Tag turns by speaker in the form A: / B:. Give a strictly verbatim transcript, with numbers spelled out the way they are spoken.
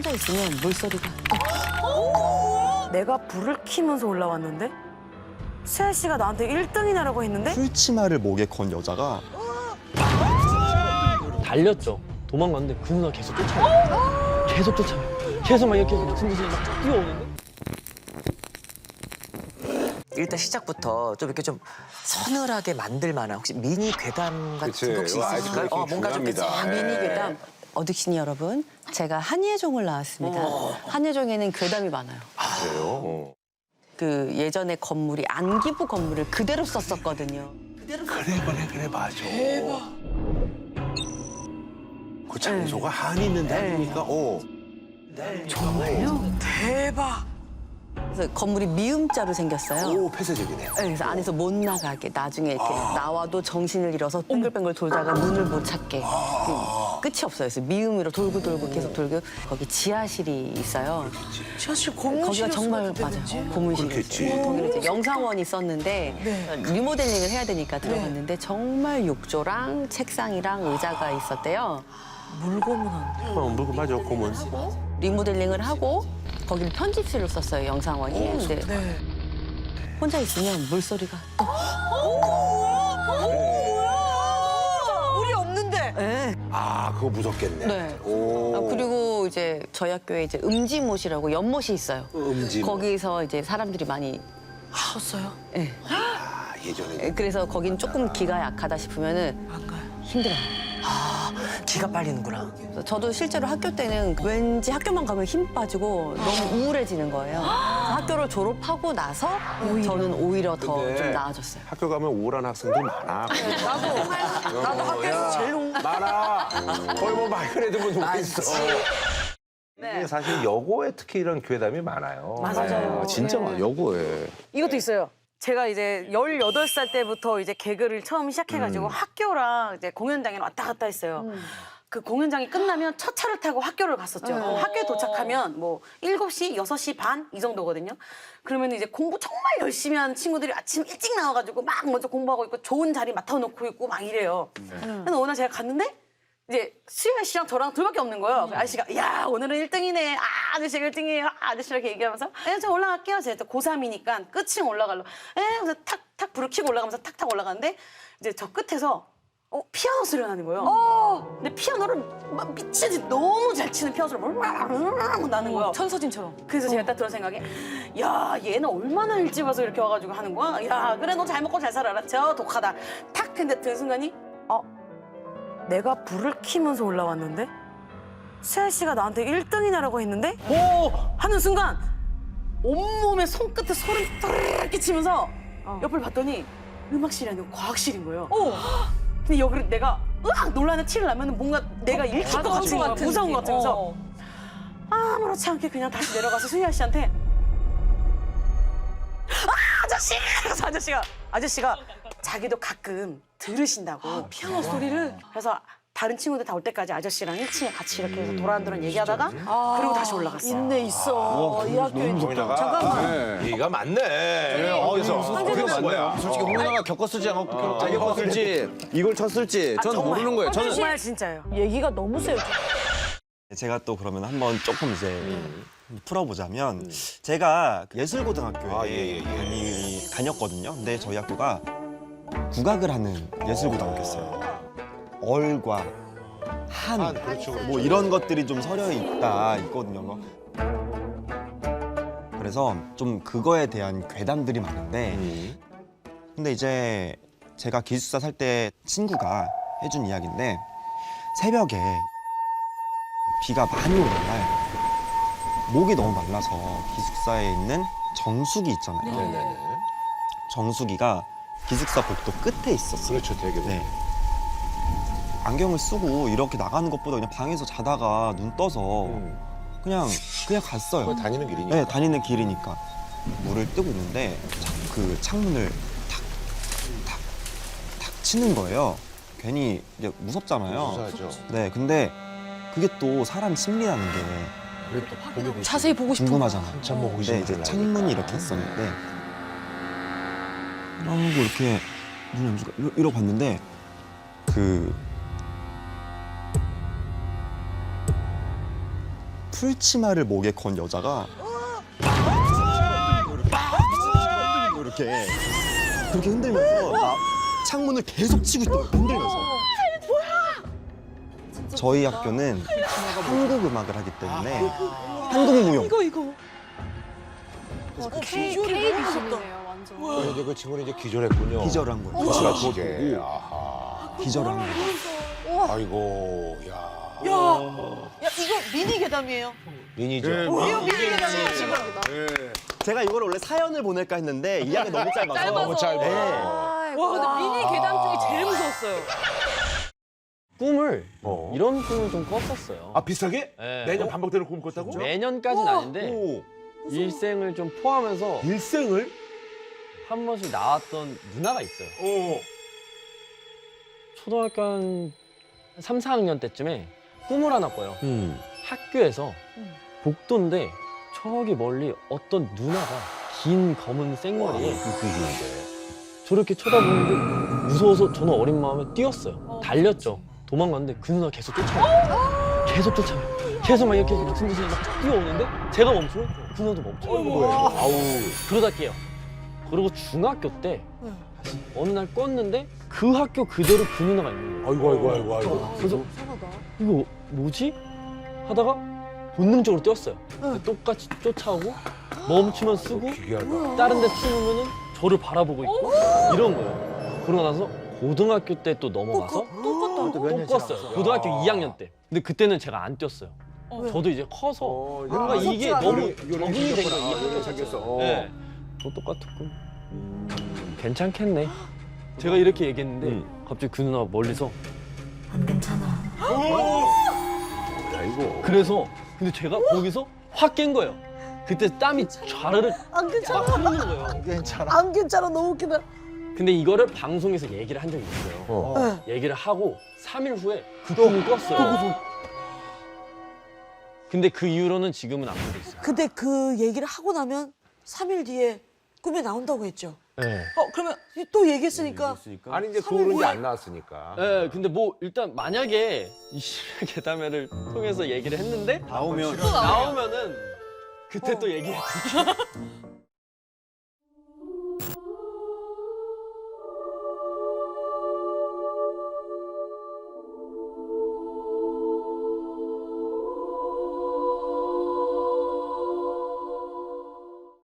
A: 혼자 있으면 물소리가
B: 내가 불을 켜면서 올라왔는데 수아 씨가 나한테 일 등이냐라고 했는데
C: 풀치마를 목에 건 여자가
D: 달렸죠. 도망갔는데 그 누나 계속 쫓아와요. 계속 쫓아와요. 계속 막 이렇게 막 승부수에 막 뛰어오는데.
E: 일단 시작부터 좀 이렇게 좀 서늘하게 만들 만한 혹시 미니 괴담 같은
F: 그치.
E: 거 혹시
F: 와,
E: 있을까요?
F: 아이고,
E: 어, 뭔가 좀 이렇게
F: 중요합니다. 예.
A: 미니 괴담. 어둑신이 여러분, 제가 한예종을 나왔습니다. 한예종에는 괴담이 많아요.
F: 그래요? 어.
A: 그 예전에 건물이 안기부 건물을 그대로 썼었거든요.
F: 그래 그래 그래 맞아. 대박. 그 장소가 한이 있는데 아닙니까? 어.
B: 대박.
A: 그래서 건물이 미음자로 생겼어요.
F: 오 폐쇄적이네.
A: 네, 그래서 안에서 못 나가게 나중에 이렇게 나와도 정신을 잃어서 뱅글뱅글 돌다가 문을 못 찾게 그 끝이 없어요. 그래서 미음으로 돌고 돌고 계속 돌고 거기 지하실이 있어요.
B: 지하실 고문실.
A: 거기가 정말 맞아요. 고문실이었어요. 거기는 이제 영상원이 있었는데 리모델링을 해야 되니까 들어갔는데 정말 욕조랑 책상이랑 의자가 있었대요.
B: 물고문한.
F: 어, 물고 맞아 고문.
A: 리모델링을 하고 거기를 편집실로 썼어요. 영상원이. 근데
B: 네.
A: 혼자 있으면 물소리가 또
B: 우리 없는데.
A: 네.
F: 아 그거 무섭겠네.
A: 네.
F: 오.
A: 아, 그리고 이제 저희 학교에 이제 음지못이라고 연못이 있어요.
F: 음지.
A: 거기서 이제 사람들이 많이
B: 컸어요?
A: 예.
F: 아 예전에.
A: 예, 그래서 거긴 조금 기가 약하다 싶으면은
B: 안 가요.
A: 힘들어요.
E: 기가 빨리는구나.
A: 그래서 저도 실제로 학교 때는 왠지 학교만 가면 힘 빠지고 너무 우울해지는 거예요. 그래서 학교를 졸업하고 나서 저는 오히려 더
F: 근데
A: 좀 나아졌어요.
F: 학교 가면 우울한 학생들 많아.
B: 나도 나도 학교에서 제일 운.
F: 많아. 거의 뭐 마이크레드 분 오고 있어. 이게 사실 여고에 특히 이런 괴담이 많아요.
B: 맞아요.
F: 네, 진짜 많아 여고에.
B: 이것도 있어요. 제가 이제 열여덟 살 때부터 이제 개그를 처음 시작해가지고 학교랑 이제 공연장에 왔다 갔다 했어요. 그 공연장이 끝나면 첫 차를 타고 학교를 갔었죠. 학교에 도착하면 뭐 일곱 시, 여섯 시 반 이 정도거든요. 그러면 이제 공부 정말 열심히 하는 친구들이 아침 일찍 나와가지고 막 먼저 공부하고 있고 좋은 자리 맡아놓고 있고 막 이래요. 근데 어느 날 제가 갔는데 이제 수현 씨랑 저랑 둘밖에 없는 거예요. 그 아저씨가 야 오늘은 일 등이네. 아 아저씨가 일 등이에요. 아, 아저씨랑 이렇게 얘기하면서 에, 저 올라갈게요. 제가 고삼이니까 끝층 올라가려고. 에 그래서 탁탁 불을 켜고 올라가면서 탁탁 올라가는데 이제 저 끝에서 어, 피아노 소리가 나는 거예요. 근데 피아노를 막 미친 듯이 너무 잘 치는 피아노 소리가 나는 거예요.
A: 천서진처럼.
B: 그래서 제가 딱 들은 생각에 야 얘는 얼마나 일찍 와서 이렇게 와가지고 하는 거야. 야 그래 너 잘 먹고 잘 살아라. 저 독하다. 탁 근데 든 순간이 어 내가 불을 켜면서 올라왔는데 수아 씨가 나한테 일 등이냐라고 했는데 오 하는 순간 온몸에 손끝에 소름 이렇게 치면서 옆을 봤더니 음악실이 아니고 과학실인 거예요. 근데 여기를 내가 으악 놀라는 티를 나면 뭔가 내가 읽힐 것 같은 거야. 무서운 것 같으면서 아무렇지 않게 그냥 다시 내려가서 수희아 씨한테 아 아저씨! 그래서 아저씨가 아저씨가 자기도 가끔 들으신다고 피아노 소리를 그래서 다른 친구들 다 올 때까지 아저씨랑 일 층에 같이 이렇게 해서 도란도란 얘기하다가 그리고 다시 올라갔어.
G: 있네 있어. 이 학교에.
F: 거기다가 잠깐만. 얘가 맞네.
H: 어,
F: 그래서
H: 그게
F: 뭐야?
H: 맞네요. 솔직히 홍 누나가 겪었을지 안 겪- 안 겪었을지 이걸 쳤을지 전 모르는 거예요. 저는
B: 정말 진짜예요.
G: 얘기가 너무 세요.
C: 제가 또 그러면 한번 조금 이제 풀어보자면 제가 예술고등학교에
F: 아, 예, 예, 예.
C: 다니, 다녔거든요. 근데 저희 학교가 국악을 하는 예술고등학교였어요. 얼과 한,
F: 한, 그렇죠, 그렇죠.
C: 뭐 이런 것들이 좀 서려 있다 있거든요. 뭐. 그래서 좀 그거에 대한 괴담들이 많은데
F: 음.
C: 근데 이제 제가 기숙사 살 때 친구가 해준 이야기인데 새벽에 비가 많이 오는 날 목이 너무 말라서 기숙사에 있는 정수기 있잖아요.
F: 네네네.
C: 정수기가 기숙사 복도 끝에 있었어요.
F: 그렇죠 되게.
C: 네. 안경을 쓰고 이렇게 나가는 것보다 그냥 방에서 자다가 눈 떠서
F: 음.
C: 그냥 그냥 갔어요.
F: 거기 다니는 길이니까.
C: 네, 다니는 길이니까 물을 뜨고 있는데 자- 그 창문을 탁, 탁, 탁 치는 거예요. 괜히 이제 무섭잖아요.
F: 무서워하죠.
C: 네, 근데 그게 또 사람 심리라는 게
F: 그래 또 보게 되지.
G: 자세히 보고 싶어.
C: 궁금하잖아요.
F: 한참 뭐
C: 네, 이제
F: 의심을
C: 창문이
F: 하니까.
C: 이렇게 있었는데 이러고 이렇게 눈을 감고 이러- 이러고 봤는데 그 풀치마를 목에 건 여자가 이렇게 그렇게 흔들면서 나 창문을 계속 치고 있더라고요. 흔들면서. 저희 학교는 한국 음악을 하기 때문에 한국 무용.
G: 이거 이거.
I: K 비중이네요, 완전.
F: 이제 그 친구는 이제 기절했군요.
C: 기절을 한 거예요.
F: 그치가
C: 그거
F: 기계.
C: 보고
F: 아하.
C: 기절을 한 거예요.
F: 아이고, 야.
G: 야, 야 이거 미니 괴담이에요.
F: 미니죠.
G: 이거 미니 괴담이에요 지금.
C: 제가 이걸 원래 사연을 보낼까 했는데 이야기 너무 짧아서.
I: 짧아서.
F: 너무 짧아.
C: 네.
I: 와, 근데 미니 괴담 중에 제일 무서웠어요.
D: 꿈을
F: 어.
D: 이런 꿈을 좀 꿨었어요.
F: 아, 비슷하게?
D: 네.
F: 매년 반복되는 꿈 꿨다고?
D: 매년까지는 아닌데
C: 오.
D: 일생을 좀 포함해서
F: 일생을?
D: 한 번씩 나왔던 누나가 있어요.
F: 어.
D: 초등학교 한 삼, 사 학년 때쯤에 꿈을 하나 꿔요.
F: 음.
D: 학교에서 복도인데 저기 멀리 어떤 누나가 긴 검은 생머리에
F: 웃기시는데.
D: 저렇게 쳐다보는데 무서워서 저는 어린 마음에 뛰었어요. 달렸죠. 도망갔는데 그 누나 계속 쫓아와요. 계속 쫓아와요. 계속 막 이렇게 미친 듯이 막 뛰어오는데 제가 멈추면 그 누나도 멈춰요.
F: 아우.
D: 그러다 깨요. 그리고 중학교 때 어느 날 껐는데 그 학교 그대로 그 누나가 있는 거예요.
F: 아이고, 아이고, 아이고, 아이고.
D: 그래서 이거 뭐지? 하다가 본능적으로 뛰었어요. 근데 똑같이 쫓아오고 멈추면 쓰고
F: 기괴하다.
D: 다른 데 숨으면은 저를 바라보고 있고 이런 거예요. 그러고 나서 고등학교 때 또 넘어가서 또 껐어요. 고등학교 이 학년 때. 근데 그때는 제가 안 뛰었어요. 저도 이제 커서
F: 어,
D: 뭔가
F: 이제
D: 이게
F: 아,
D: 너무
F: 요령이- 요령이
D: 적응이 된
F: 생겼구나.
D: 거예요. 이
F: 요령이
D: 학년
F: 생겼어.
D: 자체가.
F: 어.
D: 네. 또 똑같은 꿈. 음, 괜찮겠네. 제가 이렇게 얘기했는데
F: 음.
D: 갑자기 그 누나가 멀리서
F: 아이고.
D: 그래서 근데 제가 거기서 확 깬 거예요. 그때 땀이 좌르르
G: 안 괜찮아.
D: 막 흐르는 거예요.
G: 안 괜찮아. 너무 웃기다.
D: 근데 이거를 방송에서 얘기를 한 적이 있어요.
F: 어.
D: 얘기를 하고 삼 일 후에 그 꿈을 꿨어요. 근데 그 이후로는 지금은 안 꾸고 있어요.
G: 근데 그 얘기를 하고 나면 삼 일 뒤에 꿈에 나온다고 했죠.
D: 네.
G: 어 그러면 또 얘기했으니까
F: 아니, 이제 그
G: 삼 일
F: 오는 게
G: 후에?
F: 안 나왔으니까.
D: 네, 근데 뭐 일단 만약에 이 실외 괴담회를 통해서 얘기를 했는데
C: 나오면
D: 나오면은 그때 또 얘기해 드릴게요.